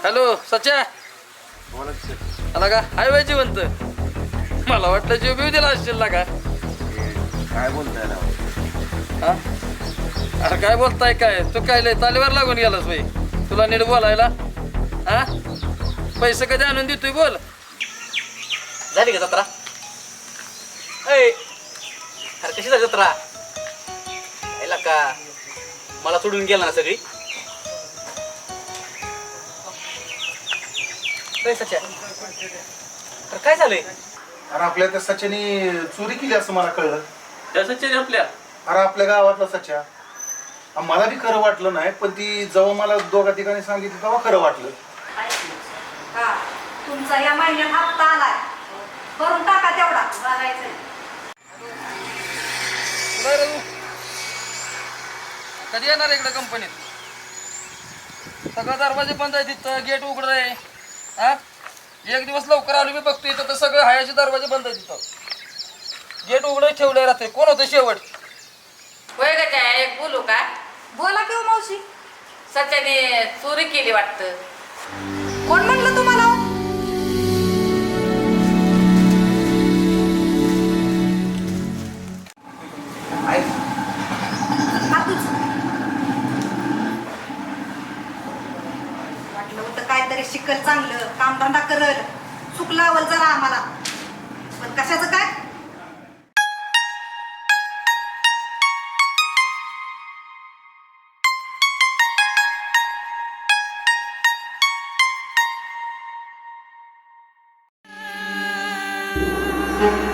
Hello सच्या आला का hi bye जिवंत मला वाटलं जीव बिव दिला असशील ना का काय बोलताय ना हा अरे काय बोलताय काय तू काय लय तालीवर लागून गेलास बाई तुला नीट बोलायला हा पैसे कधी आणून देतोय बोल झाली का जत्रा अरे कशी झाली जत्रा यायला का मला सोडून गेला ना सगळी सच्या अरे काय झालंय अरे आपल्या त्या सच्यानी चोरी केली असं मला कळलं. त्या सच्चे आपल्या अरे आपल्या गावातला सच्या मला बी खरं वाटलं नाही पण ती जेव्हा मला दोघा ठिकाणी सांगितलं तेव्हा खरं वाटलं. हा तुमचा या महिन्यात हप्ता आलाय भरून टाका तेवढा बघायचं कधी येणार इकडे कंपनीत सगळं दरवाजे बंद आहे तिथं गेट उघड आहे हा एक दिवस लवकर आलो मी बघतो इथं तर सगळं हायाचे दरवाजे बंद आहे तिथं गेट उघडं ठेवलंय रात्री कोण होतं शेवट होय का काय एक बोलू का बोला की हो मावशी सच्याने चोरी केली वाटतं कोण म्हणलं तुम्हाला हो? हातूच वाटलं होतं काहीतरी शिकल चांगलं कामधंदा करल चूक लावल जरा आम्हाला पण कशाचं काय Thank you.